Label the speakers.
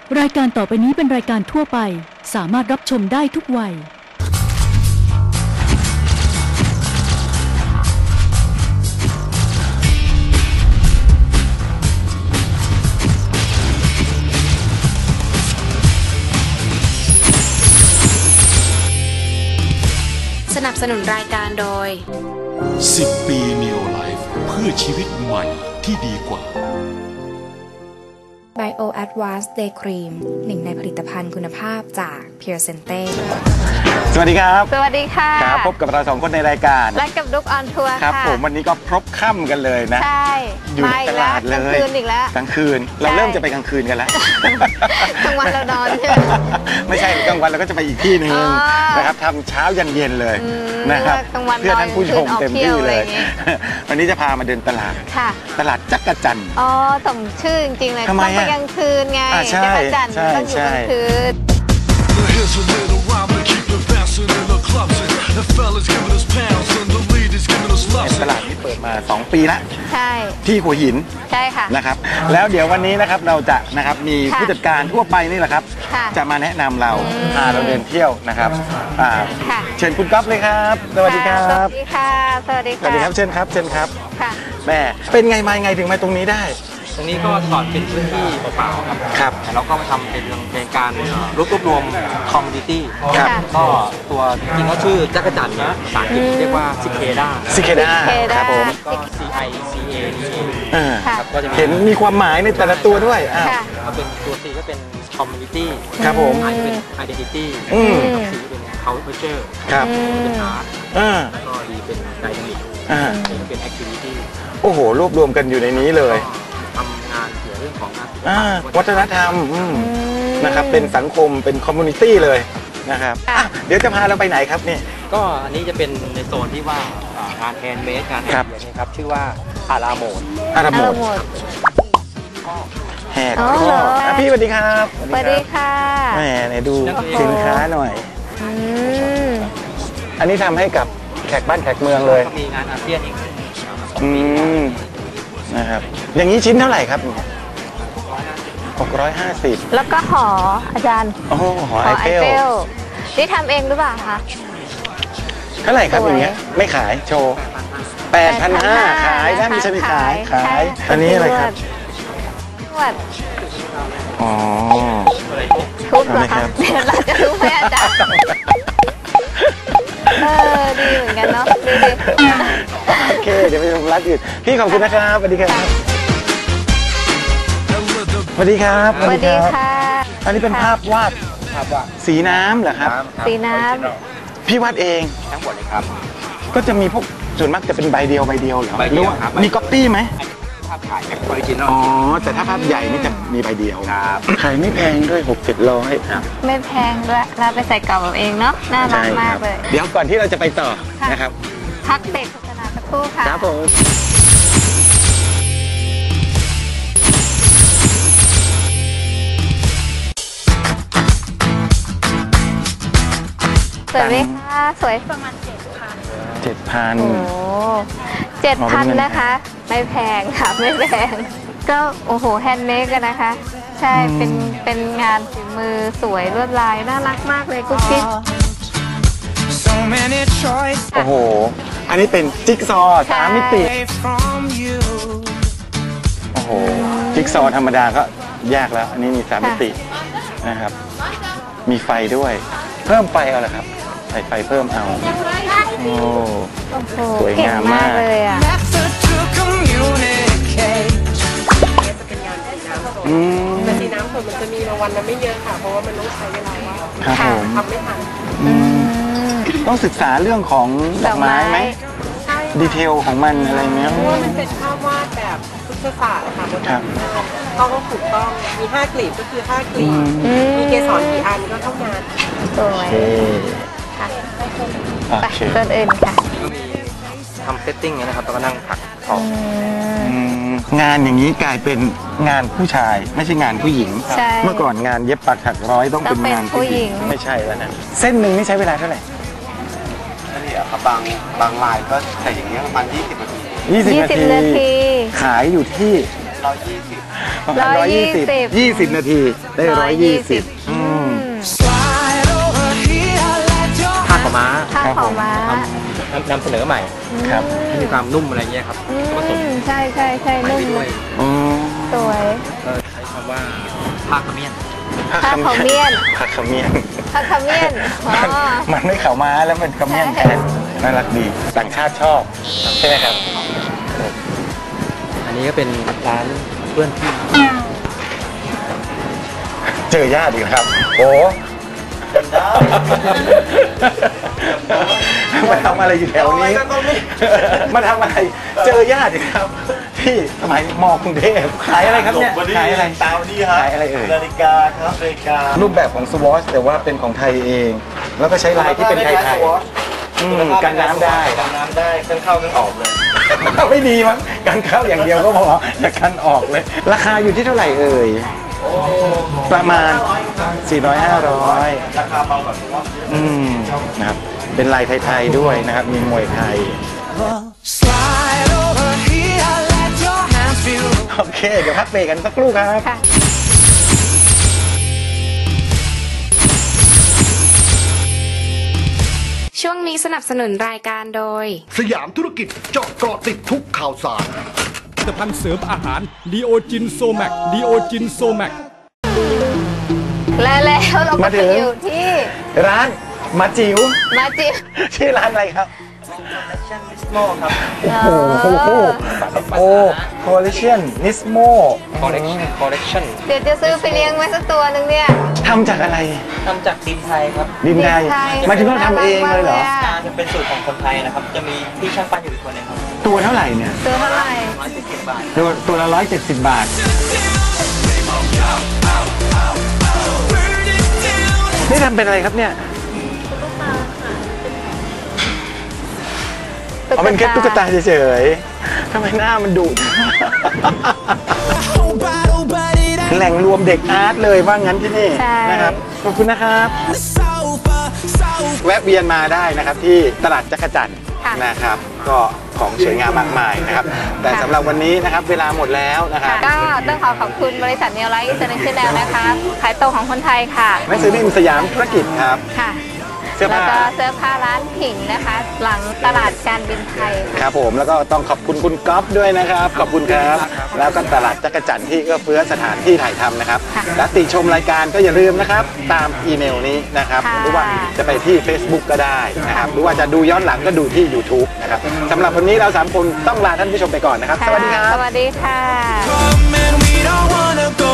Speaker 1: รายการต่อไปนี้เป็นรายการทั่วไปสามารถรับชมได้ทุกวัย
Speaker 2: สนับสนุนรายการโดย
Speaker 3: 10 ปี Neo Life เพื่อชีวิตใหม่ที่ดีกว่า
Speaker 2: Bio Advanced Day Cream หนึ่งในผลิตภัณฑ์คุณภาพจาก Pure Sente
Speaker 4: สวัสดีครับ
Speaker 2: สวัสดีค่ะ
Speaker 4: ครับพบกับเราสองคนในรายการ
Speaker 2: และกับดุ๊กออนทัวร์
Speaker 4: ครับผมวันนี้ก็พบค่ำกันเลยนะ
Speaker 2: ใช่
Speaker 4: อยู่ในตลาดเลย
Speaker 2: กลางคืนอีกแล้ว
Speaker 4: กลางคืนเราเริ่มจะไปกลางคืนกันแล้ว
Speaker 2: กลางวันเรานอนใช่ไหม
Speaker 4: ไม่ใช่กลางวันเราก็จะไปอีกที่นึงนะครับทำเช้ายันเย็นเลยนะครับเพื่อท่านผู้ชมเต็มที่เลยวันนี้จะพามาเดินตลาดตลาดจักรจันทร์
Speaker 2: อ๋อสมชื่อจริงๆเลยต้องไปกลางคืนไงจักรจันทร์ต้องอยู่กลางคืน
Speaker 4: ตลาดที่เปิดมา2 ปีแล้ว
Speaker 2: ใช่
Speaker 4: ที่หัวหิน
Speaker 2: ใช่ค่ะ
Speaker 4: นะครับแล้วเดี๋ยววันนี้นะครับเราจะนะครับมีผู้จัดการทั่วไปนี่แหละครับจะมาแนะนำเราพาเราเดินเที่ยวนะครับเชิญคุณก๊อฟเลยครับสวัสดีครับ
Speaker 2: สวัสดีค่ะสวัสดี
Speaker 4: ครับเชิญครับแม่เป็นไงมาไงถึงมาตรงนี้ได้
Speaker 5: ตรงนี้ก็ก่อนเป็นพื้นที่เปล่าๆครับแล้วก็มาทำเป็นการรวบรวมคอมมูนิตี้ก็ตัวจริงก็ชื่อจักรจันทร์นะภาษาอังกฤษเรียกว่าซิเคด้า
Speaker 4: ครับผม
Speaker 5: ก็ CICA
Speaker 4: ครับก็จะเห็นมีความหมายในแต่ละตัวด้วย
Speaker 5: เป็นตัว C ก็เป็นคอมมูนิตี้
Speaker 4: ครับผม
Speaker 5: I เป็น identity C เป็น culture
Speaker 4: ครับ
Speaker 5: เป็น art แล้วก็ D เป็น dynamic เป็น activity
Speaker 4: โอ้โหรวบรวมกันอยู่ในนี้เลย
Speaker 5: ทำงานเกี่ยวเรื่องของงาน
Speaker 4: วัฒนธรรมนะครับเป็นสังคมเป็นคอมมูนิตี้เลยนะครับเดี๋ยวจะพาเราไปไหนครับนี่
Speaker 5: ก็อันนี้จะเป็นในโซนที่ว่างานแฮนด์เมดงานแฮนด์เมดนี่ครับชื่อว่าอาราโมด
Speaker 4: แหกข้อพี่สวัสดีครับ
Speaker 2: สวัสดีค่ะ
Speaker 4: แหมไหนดูสินค้าหน่อยอันนี้ทำให้กับแขกบ้านแขกเมืองเลย
Speaker 5: ก็มีงานอาเซียนอีก
Speaker 4: นะครับอย่างนี้ชิ้นเท่าไหร่ครับ650
Speaker 2: แล้วก็หออาจารย์
Speaker 4: หอไอเฟล
Speaker 2: นี่ทำเองหรือเปล่าคะ
Speaker 4: เท่าไหร่ครับอย่างเงี้ยไม่ขายโชว์8,500ขายถ้ามีชนิดขายอันนี้อะไรครับอ๋อ
Speaker 2: ทุบเหรอคะเดี๋ยวเราจะทุบให้อาจารย์ดีเหมือนกันเนาะดี
Speaker 4: โอเคเดี๋ยวไปชมร้านอื่นพี่ขอบคุณนะครับสวัสดีครับสวัสดีครับ
Speaker 2: สวัสดีค่ะ
Speaker 4: อันนี้เป็นภาพวาดสีน้ำเหรอครับ
Speaker 2: สีน้ำ
Speaker 4: พี่วาดเอง
Speaker 5: ทั้งหมดเลยครับ
Speaker 4: ก็จะมีพวกส่วนมากจะเป็นใบเดียวเหรอหรือว่ามีก๊อปปี้ไหม
Speaker 5: ภาพถ่ายออริจินอล
Speaker 4: แต่ถ้าภาพใหญ่นี่จะมีใบเดียวขายไม่แพงด้วย600-700
Speaker 2: ครับไม่แพงด้วยเราไปใส่กล่องเราเองเนาะน่ารักมากเลย
Speaker 4: เดี๋ยวก่อนที่เราจะไปต่อนะครับ
Speaker 2: พักเบรกโฆษณาสักครู่ค่ะ
Speaker 4: ครับผม
Speaker 2: สวยไหมคะสวยประมาณ
Speaker 4: 7,000
Speaker 2: โอ้7,000นะคะไม่แพงค่ะไม่แพงก็โอ้โหแฮนด์เมดกันนะคะใช่เป็นงานฝีมือสวยลวดลายน่ารักมากเลยกุ๊กกิ๊ก
Speaker 4: โอ้โหอันนี้เป็นจิ๊กซอว์3 มิติโอ้โหจิ๊กซอว์ธรรมดาก็ยากแล้วอันนี้มี3 มิตินะครับมีไฟด้วยเพิ่มไฟเอาเหรอครับใส่ไฟเพิ่มเอาโอ้สวยงามมาก
Speaker 2: เลยอ่ะ
Speaker 6: แต่สีน้ำมันจะมีรางวัลนะไม่เยอะค่ะเพราะว่ามันต้องใช้เวลาว่าทำไม่ทัน
Speaker 4: ต้องศึกษาเรื่องของดอกไม้ไหมดีเทลของมันอะไรเงี้ย
Speaker 6: เพราะว่ามันเป็นภาพวาดแบบพุทธศาสตร์ค่ะต้องถูกต้องมี5 กลีบก็คือ5 กลีบมีเกสรกี่อันก็เท่านั้น
Speaker 2: สวยค่ะไปต้นอื่นค่ะ
Speaker 5: ทำเซตติ้งนะครับแล้วก็นั่งถักออก
Speaker 4: งานอย่างนี้กลายเป็นงานผู้ชายไม่ใช่งานผู้หญิงเมื่อก่อนงานเย็บปักถักร้อยต้องเป็นงานผู้หญิงไม่ใช่แล้วนะเส้นหนึ่งนี่ใช้เวลาเท่าไหร่
Speaker 5: นี่ครับบางลายก็ใส่อย่างเงี้ยประมาณ20 นาที
Speaker 4: ขายอยู่ที่ประมาณ120นาทีได้120
Speaker 5: ผ้าขาวม้า
Speaker 2: ผ้าขาวม้าน
Speaker 5: ำเสนอใหม่
Speaker 4: ครับ
Speaker 5: ให้มีความนุ่มอะไรเงี้ยครับผสม
Speaker 2: ใช่ใช่ใช่
Speaker 5: ไป
Speaker 2: นุ่ม
Speaker 5: ด้วย
Speaker 4: อืม
Speaker 2: สวย
Speaker 5: ก็ใช้คำว่าผ้าขมิ้น
Speaker 2: ผ้าขาวเมียน
Speaker 4: ผักขมิ้น
Speaker 2: ผ้าขาวเมียนอ๋อ
Speaker 4: มันไม่ขาวม้าแล้วมันขมิ้นแทนน่ารักดีต่างชาติชอบใช่ไหมครับ
Speaker 5: อันนี้ก็เป็นร้านเพื่อนพี่
Speaker 4: เจอญาติอีกครับ โอ้มาทำอะไรอยู่แถวนี้ มาทำอะไร เจอญาติอีกครับ ที่สมัยมกรุงเทพขายอะไรครับเนี่ย ขายอะไร
Speaker 7: ตามนี่ครับ
Speaker 4: ขายอะไรเอ่ย
Speaker 7: นาฬิกาครับนาฬิกา
Speaker 4: รูปแบบของสวอชแต่ว่าเป็นของไทยเอง แล้วก็ใช้ลายที่เป็นไทยกันน้ำได้
Speaker 7: กันน้ำได้เครื่องเข้าเครื่องออกเลย
Speaker 4: ไม่ดีมั้งกันเข้าอย่างเดียวก็พอแต่กันออกเลย ราคาอยู่ที่เท่าไหร่เอ่ย ประมาณ 400-500
Speaker 7: ราคาเบากว่าตัว
Speaker 4: นะครับ เป็นลายไทยๆด้วยนะครับ มีมวยไทย โอเค เดี๋ยวพักเบรกกันสักครู่ครับ
Speaker 2: ค่ะ
Speaker 8: ช่วงนี้สนับสนุนรายการโดย
Speaker 9: สยามธุรกิจเจาะเกาะติดทุกข่าวสาร
Speaker 10: ผลิตภัณฑ์เสริมอาหารดีโอจินโซแมกดีโอจินโซแมก
Speaker 2: แล้วเราก็
Speaker 4: มาถึ
Speaker 2: ไป
Speaker 4: ง
Speaker 2: อยู่ที่
Speaker 4: ร้านมาจิ๋ว
Speaker 2: มาจิบ
Speaker 4: ชื่อร้านอะไรครับ
Speaker 5: โม่ครับ
Speaker 4: โอ้โหโอ้ Coalition Nismo
Speaker 5: คอลเลกชัน
Speaker 2: เดี๋ยวจะซื้อไปเลี้ยงไว้สักตัวหนึ่งเนี่ย
Speaker 4: ทำจากอะไร
Speaker 5: ทำจากดินไทยครับ
Speaker 4: ดินไทย
Speaker 2: ดินไทย
Speaker 4: หมายถึงว่าทำเองเลยเหรอ
Speaker 5: จะเป็นสูตรของคนไทยนะครับ จะมีพี่ช่างปั้นอยู่อีกคนหนึงครับ
Speaker 4: ตัวเท่าไหร่เนี่ย
Speaker 2: ซื้อเท่าไหร่
Speaker 5: 170 บาท
Speaker 4: ตัวละ170 บาท นี่ทำเป็นอะไรครับเนี่ยเอาเป็นแค่ตุ๊กตาเฉยๆทำไมหน้ามันดุ แหล่งรวมเด็กอาร์ตเลยว่างั้นที่นี่
Speaker 2: ใช่
Speaker 4: นะครับ ขอบคุณนะครับ แวะเวียนมาได้นะครับที่ตลาดจักรจันทร์นะครับ ก็ของสวยงามมากมายนะครับ แต่สำหรับวันนี้นะครับเวลาหมดแล้วนะครับ
Speaker 2: ก็ต้องขอบคุณบริษัทเนลไลท์อินเตอร์เนชั่นแนลนะคะ ขายตรงของคนไทยค่ะ
Speaker 4: หนังสือพิมพ์สยามธุรกิจครับ
Speaker 2: ค่ะ
Speaker 4: เสื้อ
Speaker 2: แล้ว
Speaker 4: ผ้า
Speaker 2: ก็เสื้อผ้าร้านผิงนะคะ หลังตลาดการบินไทย
Speaker 4: ครับผมแล้วก็ต้องขอบคุณคุณก๊อฟด้วยนะครับ ขอบคุณครับ แล้วก็ตลาดจักรจันทร์ที่เอื้อเฟื้อสถานที่ถ่ายทำนะครับ
Speaker 2: ค่ะ
Speaker 4: และติชมรายการก็อย่าลืมนะครับ ตามอีเมลนี้นะครับ
Speaker 2: ค่ะ
Speaker 4: หรือว่าจะไปที่ Facebook ก็ได้นะครับ หรือว่าจะดูย้อนหลังก็ดูที่ YouTube นะครับสำหรับวันนี้เรา3 คนต้องลาท่านผู้ชมไปก่อนนะครับ สวัสดีครับ
Speaker 2: สวัสดีค่ะ
Speaker 7: Come and we don't wanna go